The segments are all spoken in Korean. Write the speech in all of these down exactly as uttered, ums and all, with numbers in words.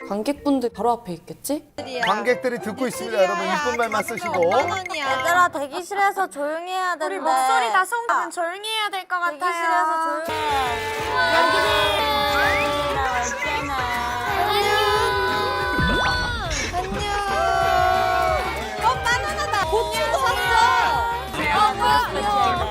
관객분들 바로 앞에 있겠지? 관객들이 듣고 있습니다, 여러분. 이쁜 말만 쓰시고. 얘들아 대기실에서 조용히 해야 된대. 우리 목소리 다 송으면 조용히 해야 될 것 같아요. 대기실에서 조용히 해. 안녕. 어 바나나다. 고추도 샀어. 어 귀여워.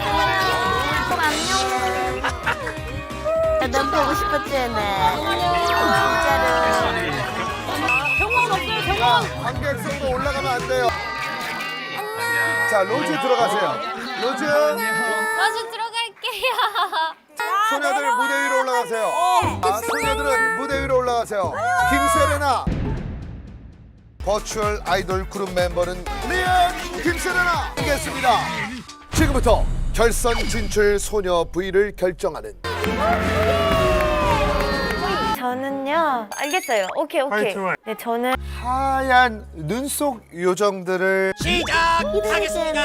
안녕. 넌 보고 싶었지, 네. 진짜로. 병원 없어요, 병원. 자, 관객석으로 올라가면 안 돼요. 자, 로즈 들어가세요. 로즈. 다시 들어갈게요. 소녀들 무대 위로 올라가세요. 아, 소녀들은 무대 위로 올라가세요. 김세레나. 버추얼 아이돌 그룹 멤버는 리안 김세레나 하겠습니다. 지금부터 결선 진출 소녀 부위를 결정하는 저는요. 알겠어요. 오케이 오케이. 네 저는 하얀 눈속 요정들을 시작하겠습니다.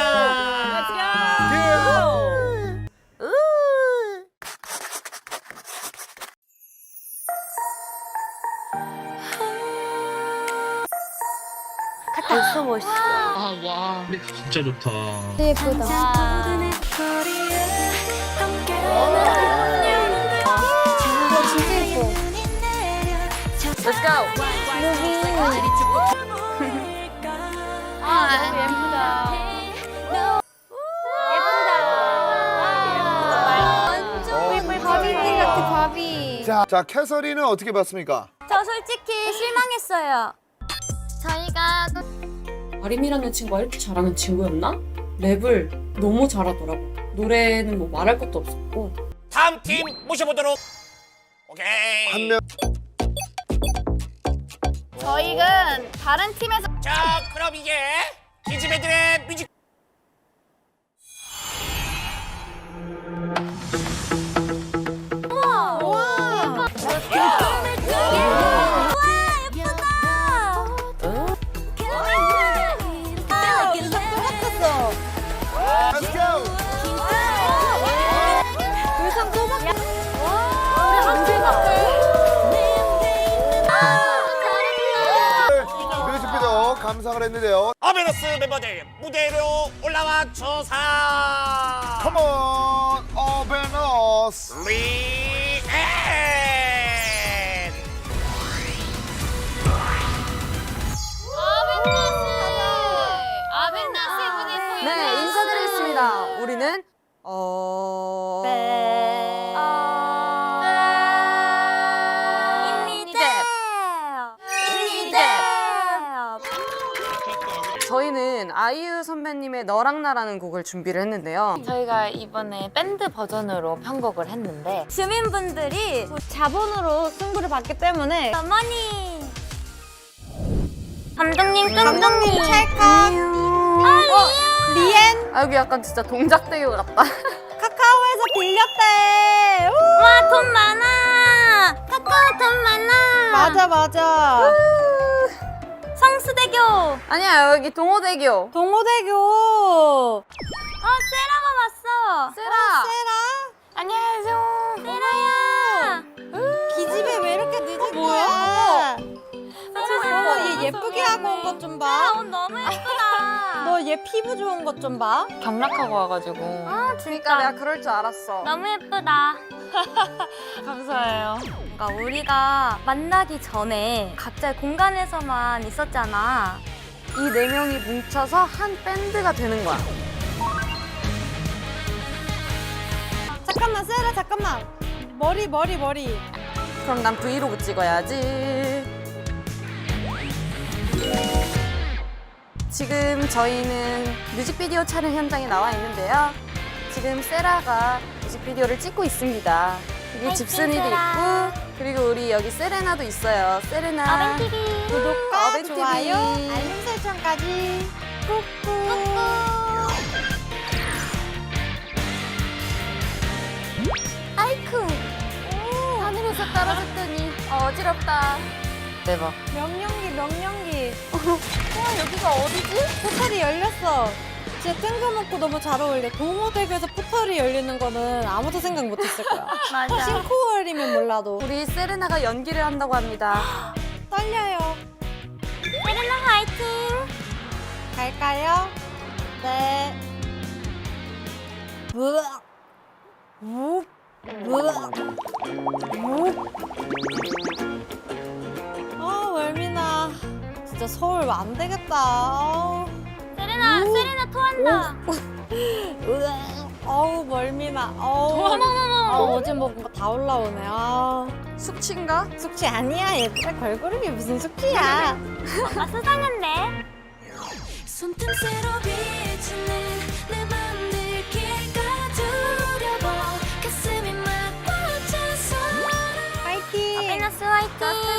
벌써 멋있어. 아, 와. 진짜 좋다. 예쁘다. 진짜 예뻐. Let's go. 아 너무 예쁘다. 예쁘다. 완전 바비 같아 바비. 자, 자 캐서린은 어떻게 봤습니까? 저 솔직히 실망했어요. 저희가 아림이라는 친구가 이렇게 잘하는 친구였나? 랩을 너무 잘하더라고. 노래는 뭐 말할 것도 없었고. 다음 팀 모셔보도록. 오케이. 한 명. 저희는 다른 팀에서 자, 그럼 이제 기즈배들의 뮤직. 우와 Let's go. 의상 또 바뀌었어. 우리 한줄 바꿔. 뮤직비디오 감상을 했는데요. 어베너스 멤버들 무대로 올라와 조사. Come on, 어베너스. 리앤. 네, 인사드리겠습니다. 우리는 어... 저희는 아이유 선배님의 너랑 나라는 곡을 준비를 했는데요. 저희가 이번에 밴드 버전으로 편곡을 했는데 주민분들이 자본으로 승부를 받기 때문에 어머니 감독님 감독님 찰칵 아 리엔 아, 여기 약간 진짜 동작대교 같다. 카카오에서 빌렸대 와 돈 많아 카카오 돈 많아 맞아 맞아 성수대교 아니야, 여기 동호대교. 동호대교 어 세라가 왔어 세라. 세라 안녕하세요. 세라야 기집애 왜 이렇게 늦은 거야 어머 얘 예쁘게 하고 온 것 좀 봐. 옷 너무 예쁘다. 너 얘 피부 좋은 것 좀 봐. 경락하고 와가지고 아 그러니까 내가 그럴 줄 알았어. 너무 예쁘다. 감사해요. 그러니까 우리가 만나기 전에 각자 공간에서만 있었잖아. 이 네 명이 뭉쳐서 한 밴드가 되는 거야. 잠깐만 세라 잠깐만. 머리 머리 머리. 그럼 난 브이로그 찍어야지. 지금 저희는 뮤직비디오 촬영 현장에 나와 있는데요. 지금 세라가 뮤직비디오를 찍고 있습니다. 여기 집순이도 세라. 있고, 그리고 우리 여기 세레나도 있어요. 세레나. 어벤티비 구독과 어벤티비. 좋아요 알림 설정까지 꾹꾹. 아이쿠 하늘에서 떨어졌더니 어지럽다. 대박. 명령기 명령기 와 여기가 어디지? 포털이 열렸어. 진짜 뜬금없고 너무 잘 어울려. 동호대교에서 포털이 열리는 거는 아무도 생각 못했을 거야. 맞아. 싱코월이면 몰라도. 우리 세레나가 연기를 한다고 합니다. 떨려요. 세레나 화이팅! 갈까요? 네. 으악. 욱. 으악. 욱. 아, 월미나. 진짜 서울 안 되겠다. 아우. 세레나, 오. 세레나 토한다. 으악. 어우, 멀미나. 어우. 어머머머. 아, 어제 먹은 거 다 올라오네. 아. 숙취인가? 숙취 아니야, 얘들아. 걸그룹이 무슨 숙취야. 뭔가 수상한데? 손틈새로 비치는 내 맘들 길가 두려워 가슴이 막 벅차서 파이팅! 베너스 화이팅!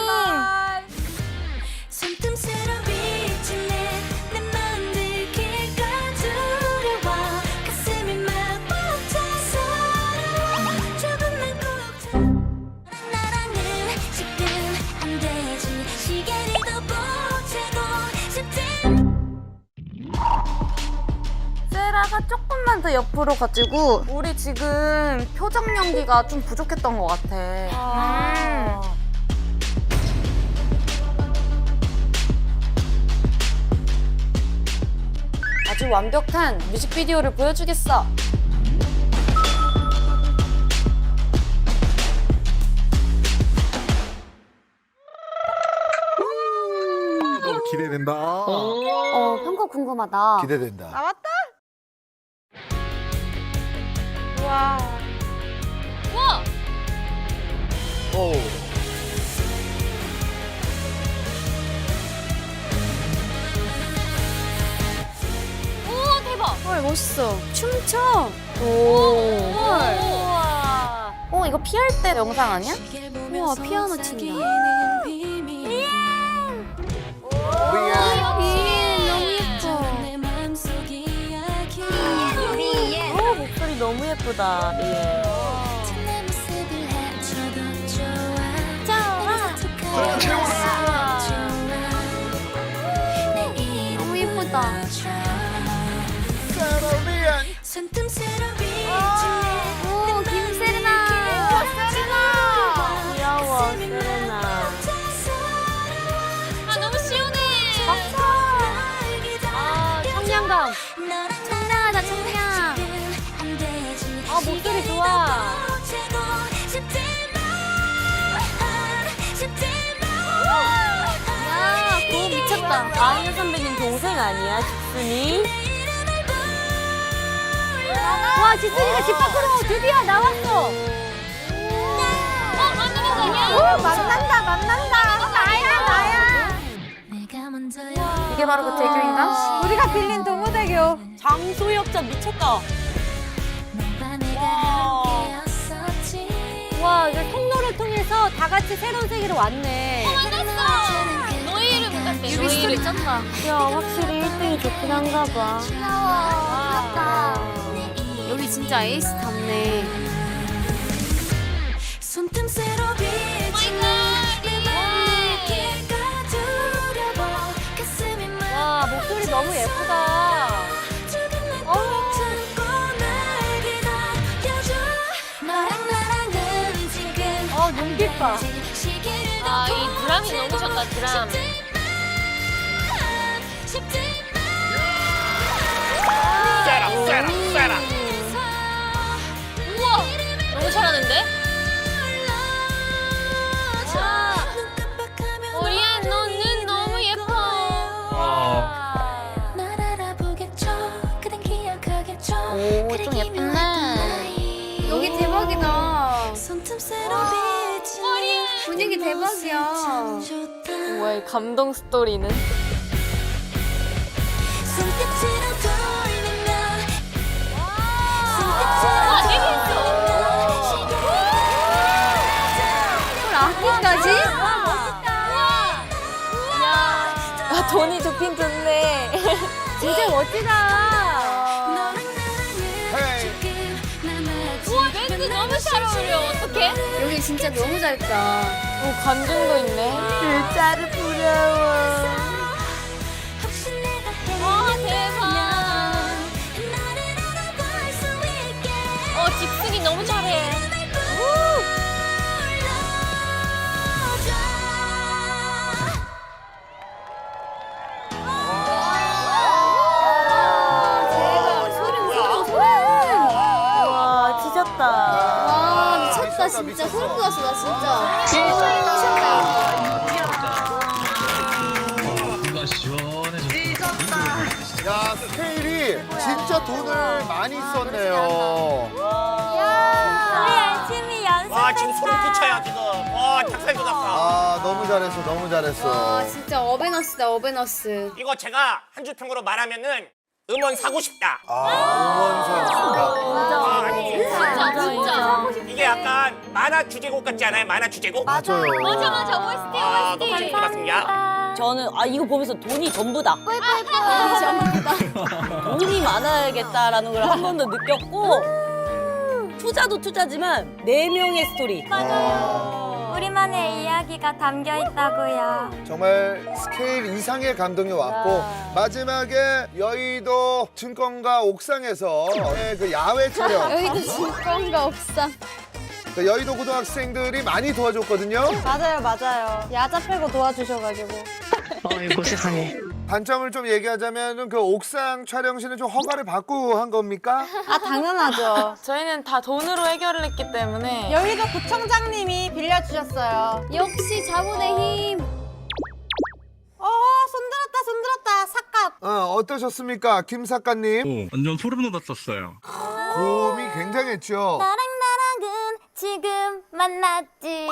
손틈새로 비치는 내 맘들 길가 두려워 가슴이 막 벅차서 조금만 꼭 잡- 나랑은 지금 안 되지 시계를 더 보채고 싶지 세라가 조금만 더 옆으로 가지고 우리 지금 표정 연기가 좀 부족했던 것 같아. 아. 아주 완벽한 뮤직비디오를 보여주겠어. 너무 기대된다. 어, 평가 궁금하다. 기대된다. 나왔다? 우와. 우와! 오. 오, 대박! 헐, 멋있어. 춤춰. 오. 헐. 우와! 어, 이거 피할 때 영상 아니야? 우와, 피아노 친다. 우리의 어, 목소리 너무 예쁘다. 예. 너무 예쁘다. 세라리안. 손틈새로 비치네 오, 김세레나! 귀여워, 세레나. 아, 너무 시원해! 아, 청량감! 청량하다, 청량! 아, 목소리 좋아. 야, 고음 미쳤다. 아이유 선배님 동생 아니야, 직순이? 와, 지순이가 집 밖으로 드디어 나왔어! 어, 만나는 거 아니야? 오, 만난다, 만난다. 나야, 나야. 이게 바로 그 대교인가? 우리가 빌린 동호대교. 장소역자 미쳤다. 와, 이거 통로를 통해서 다 같이 새로운 세계로 왔네. 만났어! 너희 이름 같아, 유비 스토리 쩐다. 야, 확실히 일 등이 좋긴 한가 봐. 여기 진짜 에이스 답네. 손틈새로 비치는 내 맘을 길가 두려워 가슴이 막 와, 목소리 너무 예쁘다. 조금만 꼭 참고 날 기다려줘 너랑 나랑은 지금 어, 눈빛 봐. 시계를 더 아, 이 드람이 너무 좋다, 드람. 쎄라 쎄라 쎄라. 우와! 너무 잘하는데? 오리안, 너 눈 너무 예뻐! 아. 날 알아보겠죠 그댄 기억하겠죠 오, 그래 좀 기묘했던 예쁘네. 나이. 여기 대박이다. 손틈새로 비치는 분위기 대박이야. 참 좋다. 우와, 이 감동 스토리는. 손끝으로 돌리면 와, 헐, 악기까지? 아, 돈이 좋긴 좋네. 진짜 멋지다. 헤이. 우와, 밴드 너무 잘 어울려. 어떡해? 여기 진짜 너무 잘했다. 오, 관중도 있네. 글자를 부러워. 와, 대박. 어, 집순이 너무 잘해. 나 진짜 미쳤어. 소름 돋았어 나 진짜. 뭔가 시원해졌다. 야, 스케일이 진짜 돈을 많이 썼네요. 우리 열심히 연습했다. 와 지금 소름 끼쳐요 지금. 와 닭살도 났다. 아, 너무 잘했어, 너무 잘했어. 와 진짜 어베너스다 어베너스. 이거 제가 한 줄 평으로 말하면은 음원 사고 싶다. 아, 응원 선수다. 아, 아니 진짜 진짜. 이게 약간 만화 주제곡 같지 않아요? 만화 주제곡? 맞아요. 맞아 맞아 오에스티 아 너무 재밌게 봤습니다. 저는 아 이거 보면서 돈이 전부다. 돈이 전부다. 돈이 많아야겠다라는 걸 한 번 더 느꼈고 투자도 투자지만 네 명의 스토리. 우리만의 이야기가 담겨 있다고요. 정말 스케일 이상의 감동이 왔고 마지막에 여의도 증권가 옥상에서 그 야외 촬영 여기도 증권가 옥상. 그 여의도 고등학생들이 많이 도와줬거든요. 맞아요, 맞아요. 야자 빼고 도와주셔가지고. 아이고 세상에. 단점을 좀 얘기하자면 그 옥상 촬영실은 좀 허가를 받고 한 겁니까? 아, 당연하죠. 저희는 다 돈으로 해결을 했기 때문에 여의도 구청장님이 빌려주셨어요. 역시 자본의 힘. 어, 손들었다, 손들었다. 삭갑. 어, 어떠셨습니까, 김 작가님? 완전 소름 돋았었어요. 고음이 굉장했죠. 나랑 나랑은 지금 만났지.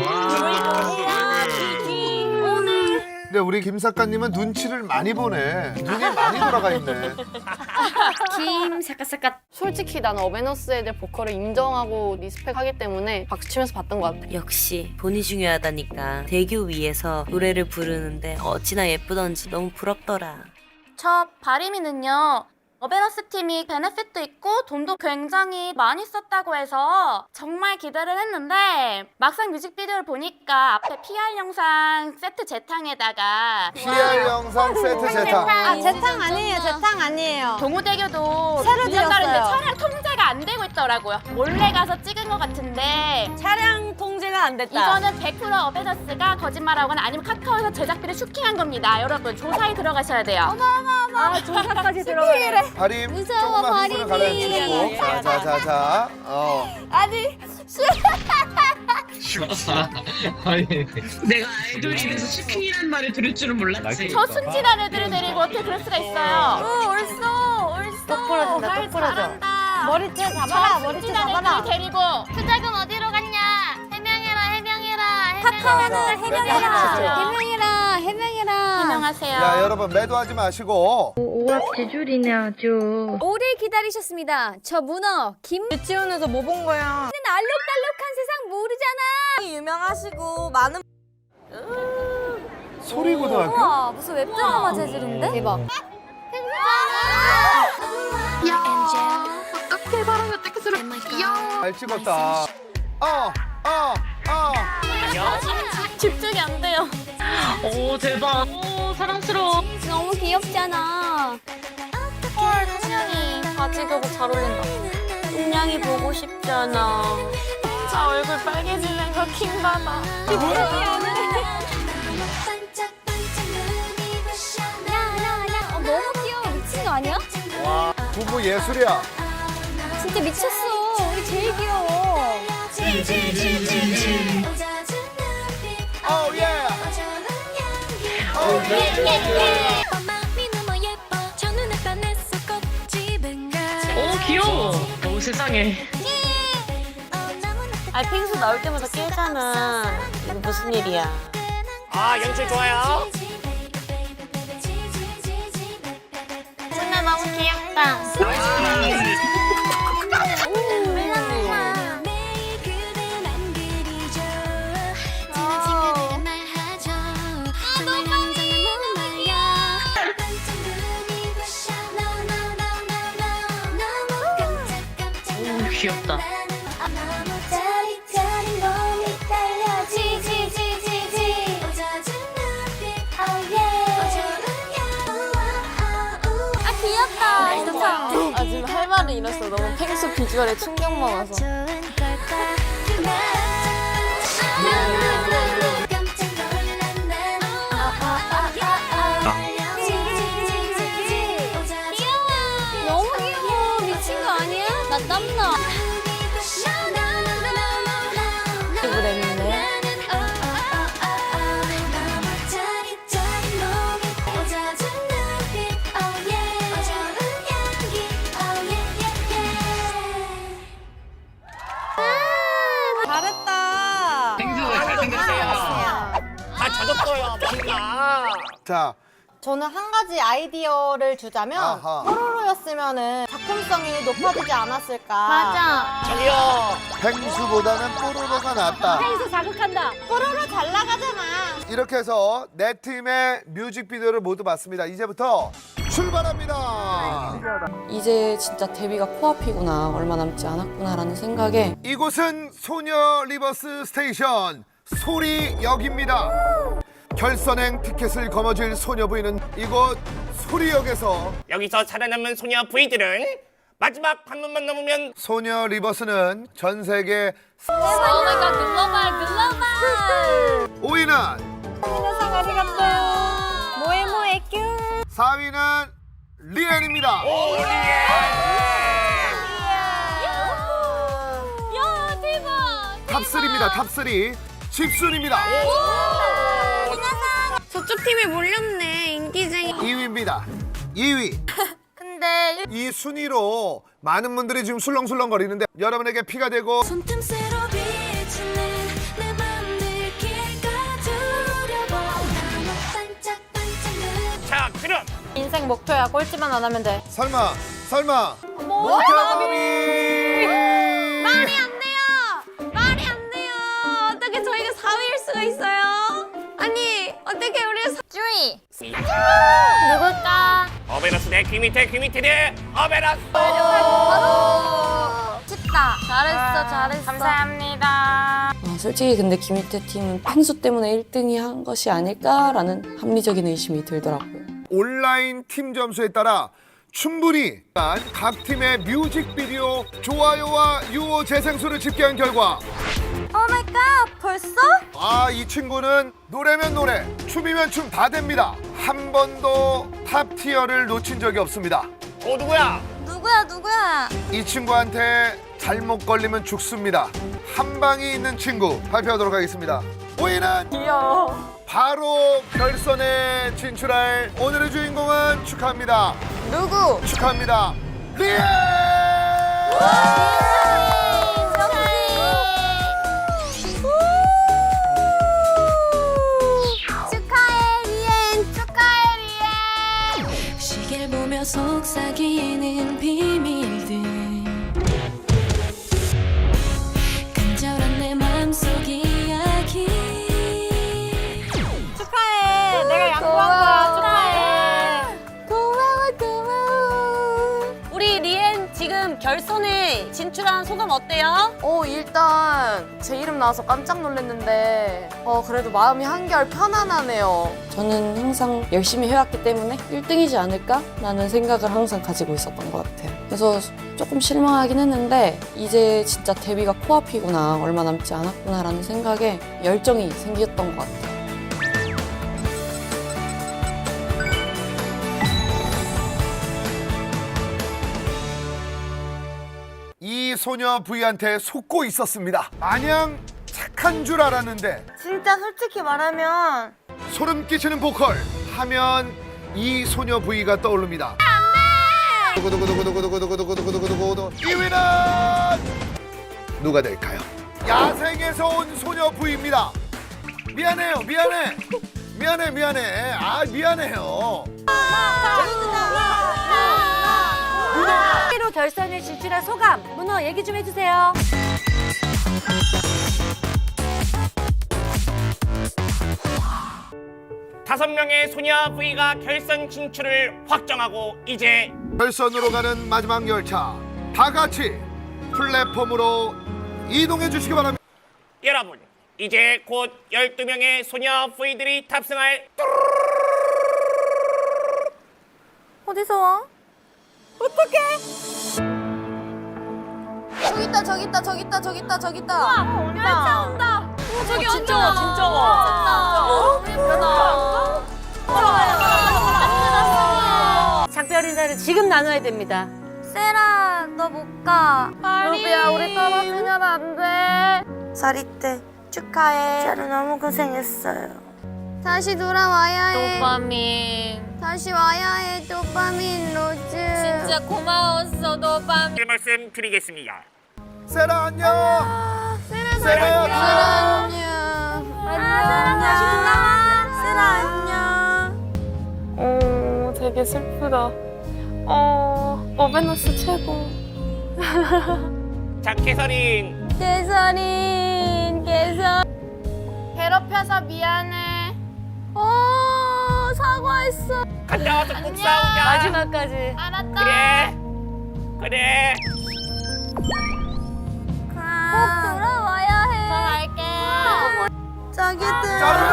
근데 우리 김 작가님은 눈치를 많이 보네. 눈이 많이 돌아가 있네. 김 사카사카. 솔직히 나는 어베너스 애들 보컬을 인정하고 리스펙하기 때문에 박수치면서 봤던 것 같아. 역시 돈이 중요하다니까 대교 위에서 노래를 부르는데 어찌나 예쁘던지 너무 부럽더라. 저 바리미는요. 어베너스 팀이 베네핏도 있고 돈도 굉장히 많이 썼다고 해서 정말 기대를 했는데 막상 뮤직비디오를 보니까 앞에 피알 영상 세트 재탕에다가 피알 영상 세트 제타. 아, 재탕 아니에요, 재탕 아니에요. 동호대교도 새로 일 년 다른데 지었어요. 차량 통제가 안 되고 있더라고요. 몰래 가서 찍은 것 같은데 차량 통제가 안 됐다. 이거는 백 퍼센트 어베너스가 거짓말하거나 아니면 카카오에서 제작비를 슈킹한 겁니다. 여러분 조사에 들어가셔야 돼요. 아, 조사까지 들어가네. 바림 무서워, 조금만 흥분을 바림이. 가라앉히고 자자자자 어. 아니 아니 내가 아이돌이라서 슈킹이란 말을 들을 줄은 몰랐지. 저 순진한 애들을 데리고 어떻게 그럴 수가 있어요? 오, 옳소, 옳소. 똑 부러진다, 말 똑 부러져. 잘한다. 머리채 잡아라, 머리채 순진한 잡아라. 애들 데리고 투자금 어디로 갔냐? 해명해라 해명해라. 카카오는 해명해라. 해명해라. 해명해라 해명해라. 안녕하세요. 야 여러분 매도하지 마시고 오합지졸이네 아주. 오래 기다리셨습니다. 저 문어 김. 유치원에서 뭐 본 거야? 알록달록한 세상 모르잖아. 유명하시고 많은 소리 고등학교? 우와 무슨 웹드라마 재질인데? 대박. 잘 찍었다. 어, 어, 어. 집중이 안 돼요. 오 대박. 오 사랑스러워. 너무 귀엽잖아. 헐, 한양이 바지 교복 잘 어울린다. 은양이 보고 싶잖아. 아 얼굴 빨개지는 거 킹받아. 야야야 어, 너무 귀여워. 미친 거 아니야? 와 부부 예술이야. 진짜 미쳤어. 우리 제일 귀여워. 오 예. 오 예. 오 귀여워. 오 세상에. 아 펭수 나올 때마다 깨잖아. 이거 무슨 일이야? 아 연출 좋아요. 진짜 너무 귀엽다. 오 귀엽다. 아 귀엽다. 좋다. 아 지금 할 말을 잃었어. 너무 펭수 비주얼에 충격 먹어서. 너무 귀여워. 미친 거 아니야? 나 땀나. 있어요. 뭔가. 자, 저는 한 가지 아이디어를 주자면 아하. 뽀로로였으면은 작품성이 높아지지 않았을까. 맞아. 저기요. 펭수보다는 뽀로로가 낫다. 펭수 자극한다. 뽀로로 잘 나가잖아. 이렇게 해서 네 팀의 뮤직비디오를 모두 봤습니다. 이제부터 출발합니다. 이제 진짜 데뷔가 코앞이구나, 얼마 남지 않았구나라는 생각에 이곳은 소녀 리버스 스테이션 소리역입니다. 결선행 티켓을 거머쥘 소녀 부인은 이곳 소리역에서 여기서 살아남은 소녀 부이들은 마지막 관문만 넘으면 소녀 리버스는 전 세계 오마이갓 글로벌 글로벌. 오 위는 皆さんありがとう. 뭐해 뭐해 뀨. 사 위는 리엔입니다. 야 대박. 탑삼입니다. 탑삼 집순입니다. 저쪽 팀이 몰렸네. 인기쟁이. 이 위입니다. 이 위. 근데 이 순위로 많은 분들이 지금 술렁술렁거리는데 여러분에게 피가 되고 손틈새로 비치는 내 맘들 길가두려워. 나만 반짝반짝는. 자 그럼 인생 목표야. 꼴찌만 안 하면 돼. 설마 설마 모태범이 말이 안 돼요. 말이 안 돼요. 어떻게 저희가 사 위일 수가 있어요? 아니 어떻게 우리가 사... 주희. 누굴까? 어베러스 대귀 밑에 귀 밑에 대 어베러스. 쉽다. 잘했어 잘했어. 감사합니다. 아, 솔직히 근데 김희태 팀은 펭수 때문에 일 등이 한 것이 아닐까라는 합리적인 의심이 들더라고요. 온라인 팀 점수에 따라 충분히 각 팀의 뮤직비디오 좋아요와 유호 재생수를 집계한 결과 오마이갓 벌써? 아, 이 친구는 노래면 노래, 춤이면 춤 다 됩니다. 한 번도 탑티어를 놓친 적이 없습니다. 어 누구야? 누구야 누구야? 이 친구한테 잘못 걸리면 죽습니다. 한 방이 있는 친구 발표하도록 하겠습니다. 오 위는 귀여워. 바로 결선에 진출할 오늘의 주인공은 축하합니다. 누구? 축하합니다. 리엔! 축하해 리엔. 축하해 리엔. 시계를 보며 속삭이는 비밀들. 간절한 내 맘속 이야기. 축하해. 내가 양보한 거야. 축하해. 고마워 고마워. 우리 리엔 지금 결선에 진출한 소감 어때요? 어, 일단 제 이름 나와서 깜짝 놀랐는데 어, 그래도 마음이 한결 편안하네요. 저는 항상 열심히 해왔기 때문에 일 등이지 않을까라는 생각을 항상 가지고 있었던 것 같아요. 그래서 조금 실망하긴 했는데 이제 진짜 데뷔가 코앞이구나, 얼마 남지 않았구나라는 생각에 열정이 생겼던 것 같아요. 이 소녀 부이한테 속고 있었습니다. 마냥 착한 줄 알았는데 진짜 솔직히 말하면 소름 끼치는 보컬 하면 이 소녀 부이가 떠오릅니다. 두구두구두구두구두구두구두구두구두구두구 이 위는 누가 될까요? 야생에서 온 소녀 부이입니다. 미안해요, 미안해, 미안해, 미안해. 아 미안해요. 로 결선에 진출한 소감. 문어 얘기 좀 해주세요. 다섯 명의 소녀 부이가 결선 진출을 확정하고 이제 결선으로 가는 마지막 열차 다 같이 플랫폼으로 이동해 주시기 바랍니다. 여러분 이제 곧 열두 명의 소녀 부이들이 탑승할 어디서 와? 어떡해? 저기 있다 저기 있다 저기 있다 저기 있다 저기 있다. 와 열차 온다. 오, 저기 어, 진짜 와, 진짜 와. 너무 예쁘다. 작별 인사를 지금 나눠야 됩니다. 세라 너 못 가. 루비야 우리 떨어지면 안 돼. 사리떼 축하해. 세라 너무 고생했어요. 다시 돌아와야 해. 도파민. 다시 와야 해. 도파민 로즈. 진짜 고마웠어, 도파민. 말씀 드리겠습니다. 세라 안녕. 세라 세라야 안녕. 안녕. 다시 돌아와. 되게 슬프다. 어, 어베너스 최고. 자, 캐서린. 개설인 개설. 괴롭혀서 미안해. 어 사과했어. 갔다 와서 꼭 싸우자. 마지막까지. 알았다. 그래. 그래. 꼭 돌아와야 해. 갈게. 자기들.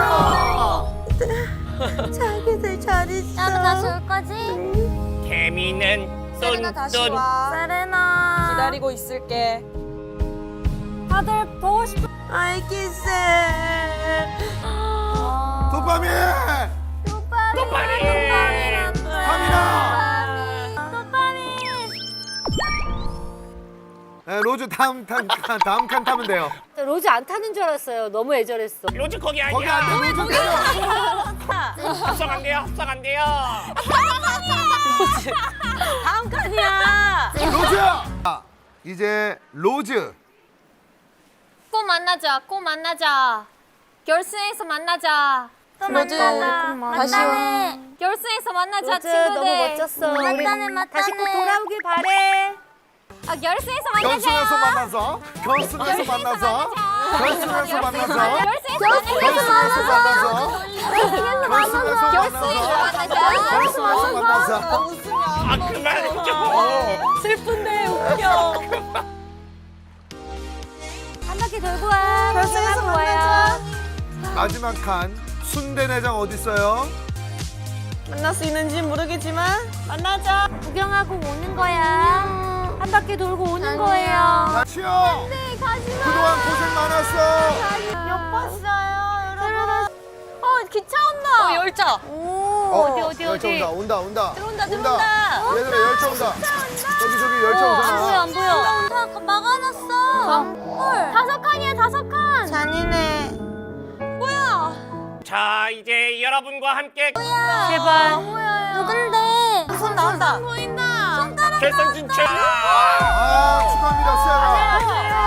자기들 잘 있어. 나도 다시 올 거지? 개미는 뚠뚠. 세레나. 기다리고 있을게. 다들 보고 싶어. 알겠어. 도파민! 도파민. 갑니다! 도파민. 네, 로즈 다음 칸, 칸, 다음 칸 타면 돼요. 로즈 안 타는 줄 알았어요. 너무 애절했어. 로즈 거기 아니야. 거기 안 돼, 로즈 때려! 합성 안 돼요. 합성 안 돼요. 다음 칸이야. 로즈야! 아, 이제 로즈. 꼭 만나자. 꼭 만나자. 결승에서 만나자. 또 로즈, 만나자. 다시 와. 만나네. 결승에서 만나자 로즈 친구들. 너무 멋졌어. 우리 맞다네 맞다네. 다시 꼭 돌아오길 바래. 아 결승에서 만나자. 결승에서 만나서, 결승에서 만나서, 결승에서 만나서, 결승에서 결승에서 만나서, 만나자. 결승에서 만나서, 결승에서 만나서. 아, 그만 좀. 슬픈데 웃겨. 한 바퀴 돌고 와. 결승에서 구경하고 와요. 마지막 칸, 순대내장 어디 있어요? 만날 수 있는지 모르겠지만 만나자. 구경하고 오는 거야. 한 바퀴 돌고 오는 거예요. 치영! 네, 가지마. 그동안 고생 많았어. 못 봤어요, 여러분. 어, 기차 온다. 어, 열차. 어, 어디 어디 열차 온다 온다 온다. 들어온다, 들어온다. 얘들아 열차 온다. 저기 저기 열차 안 보여, 오잖아. 안 보여. 다 막아놨어. 헐. 다섯 칸이야, 다섯 칸. 잔인해. 자, 이제 여러분과 함께 제발. 누군데? 손 나온다. 결선 진출. 아 축하합니다 세라.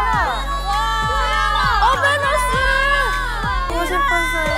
어베너스. 보고 싶었어요.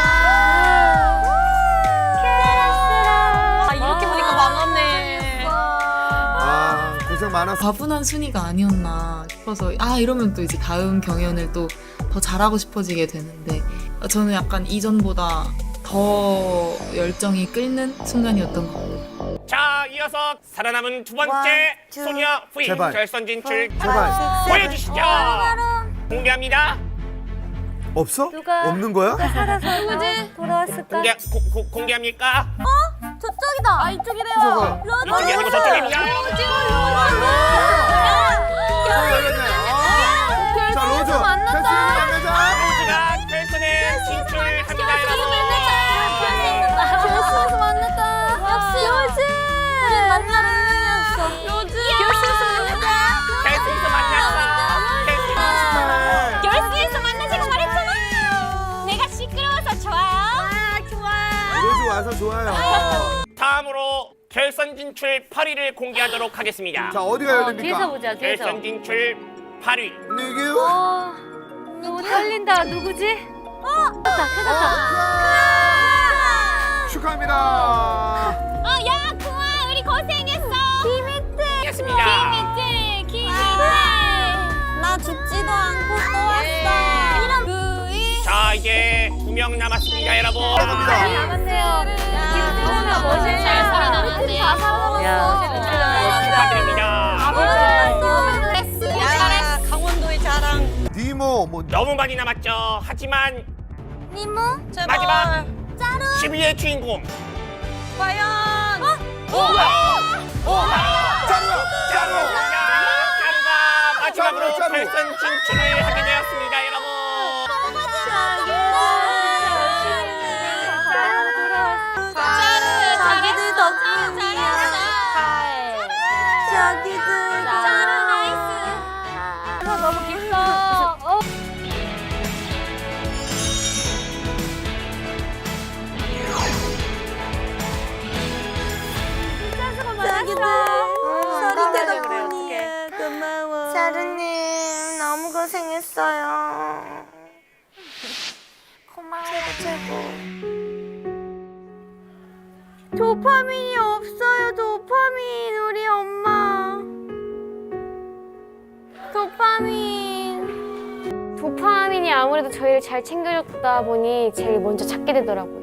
아, 이렇게 보니까 망하네. 아 고생 많았어. 과분한 순위가 아니었나 싶어서 아 이러면 또 이제 다음 경연을 또 더 잘하고 싶어지게 되는데 저는 약간 이전보다 더 열정이 끓는 순간이었던 것 같아요. 자, 이어서 살아남은 두 번째 One, two, 소녀 부인 제발. 결선 진출 제발 보여주시죠. 공개합니다. 없어? 누가? 없는 거야? 누구지? 돌아왔을까? 공개 고, 고, 공개합니까? 저쪽이다. 아, 이쪽이래요. 저거. 이쪽이 아니고 저쪽입니다. 자 열렸네. 아, 자 로즈 결승에서 만나자. 로즈가 결선에 진출합니다, 여러분. 결승에서 만났다. 역시 로즈. 우리 만날 운명이었어. 로즈. 결승에서 만났다. 결승에서 만났다. 결승에서. 결승에서 만나자고 말했잖아. 내가 시끄러워서 좋아요. 아, 좋아. 로즈 와서 좋아요. 다음으로 결선 진출 팔 위를 공개하도록 하겠습니다. 자 어디가 열립니까? 뒤에서 보자. 뒤에서. 결선 진출 팔 위. 리규. 어, 너무 떨린다. 누구지? 축하합니다. 어, 야, 구아, 우리 고생했어. 김희태. 이었습니다. 김희태, 김희태. 나 죽지도 않고 또 왔어. 이런 부이. 자, 이제 두 명 남았습니다, 여러분. 축하합니다. 남았네요. 김희태가 멋있네. 잘 살아남았네. 다 살아남았어. 축하드립니다. 야, 강원도의 자랑. 니모 뭐 너무 많이 남았죠. 하지만 니모. 제발. 마지막 짜루. 십 위의 주인공. 과연. 짜루야 짜루. 짜루가 마지막으로 짜루, 짜루. 결선 진출을 하게 되었습니다, 여러분. 자기들 덕분이야. 자기들. 짜루 나이스. 너무 깊어. 어. 자기들. 자기들 덕분이야. 고마워. 자루님 너무 고생했어요. 고마워. 최고. 도파민이 없어요. 도파민 우리 엄마. 도파민. 도파민이 아무래도 저희를 잘 챙겨줬다 보니 제일 먼저 찾게 되더라고요.